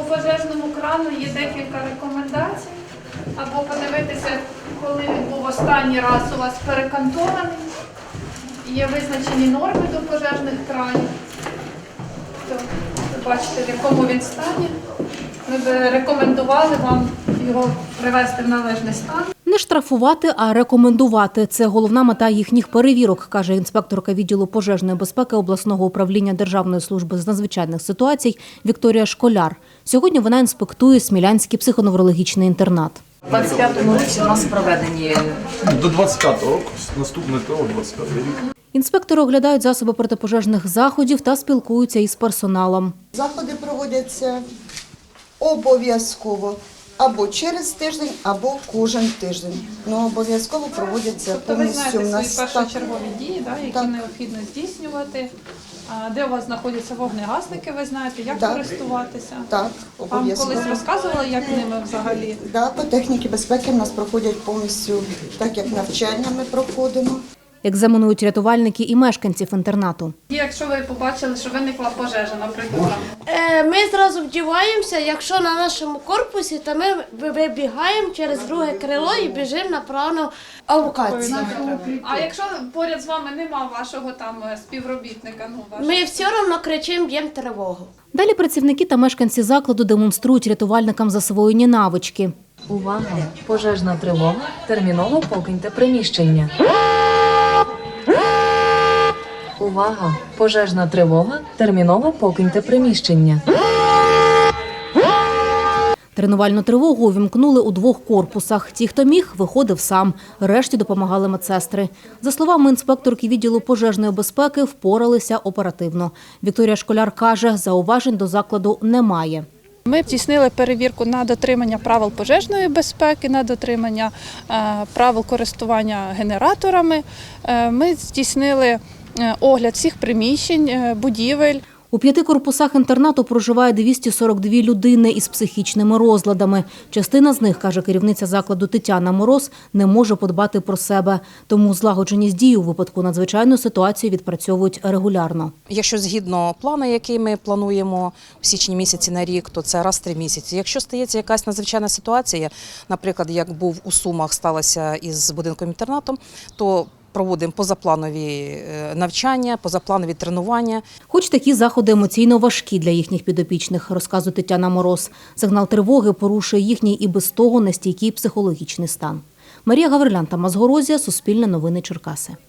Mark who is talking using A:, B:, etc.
A: пожежному крану є декілька рекомендацій. Або подивитися, коли він був останній раз у вас перекантований. Є визначені норми до пожежних кранів. Ви бачите, в якому він стані. Ми б рекомендували вам його привести в належний стан.
B: Не штрафувати, а рекомендувати – це головна мета їхніх перевірок, каже інспекторка відділу пожежної безпеки обласного управління Державної служби з надзвичайних ситуацій Вікторія Школяр. Сьогодні вона інспектує Смілянський психоневрологічний інтернат.
C: У 25-му році у нас проведені.
D: До 25-го року, наступний ТО, 25-й рік.
B: Інспектори оглядають засоби протипожежних заходів та спілкуються із персоналом.
E: Заходи проводяться обов'язково або через тиждень, або кожен тиждень. Ну, обов'язково проводяться
A: Тобто ви
E: повністю
A: знаєте
E: в нас.
A: свої першочергові дії, які
E: Так.
A: необхідно здійснювати. Де у вас знаходяться вогнегасники, ви знаєте, як
E: Так.
A: користуватися?
E: Так,
A: Вам
E: обов'язково.
A: колись розказували, як ними взагалі?
E: Да, по техніці безпеки в нас проходять повністю так, як навчання ми проходимо.
B: Екзаменують рятувальники і мешканців інтернату.
A: Якщо ви побачили, що виникла пожежа, наприклад,
F: Ми зразу вдіваємося, якщо на нашому корпусі, то ми вибігаємо через друге крило і біжимо на плану алокації.
A: а якщо поряд з вами нема вашого там співробітника,
F: Ми все одно кричимо, б'ємо тривогу.
B: Далі працівники та мешканці закладу демонструють рятувальникам засвоєні навички.
C: Увага! Пожежна тривога. Терміново покиньте приміщення. Увага! Пожежна тривога. Терміново покиньте приміщення.
B: Тренувальну тривогу увімкнули у 2 корпусах. Ті, хто міг, виходив сам. Решті допомагали медсестри. За словами інспекторки відділу пожежної безпеки, впоралися оперативно. Вікторія Школяр каже, зауважень до закладу немає.
A: Ми здійснили перевірку на дотримання правил пожежної безпеки, на дотримання правил користування генераторами. Ми здійснили огляд всіх приміщень, будівель.
B: У 5 корпусах інтернату проживає 242 людини із психічними розладами. Частина з них, каже керівниця закладу Тетяна Мороз, не може подбати про себе. Тому злагодженість дій у випадку надзвичайної ситуації відпрацьовують регулярно.
G: Якщо згідно плану, який ми плануємо в січні місяці на рік, то це раз в 3 місяці. Якщо стається якась надзвичайна ситуація, наприклад, як був у Сумах, сталося із будинком-інтернатом, то проводимо позапланові навчання, позапланові тренування.
B: Хоч такі заходи емоційно важкі для їхніх підопічних, розказує Тетяна Мороз. Сигнал тривоги порушує їхній і без того нестійкий психологічний стан. Марія Гаврилян, Тамас Горозія, Суспільне новини Черкаси.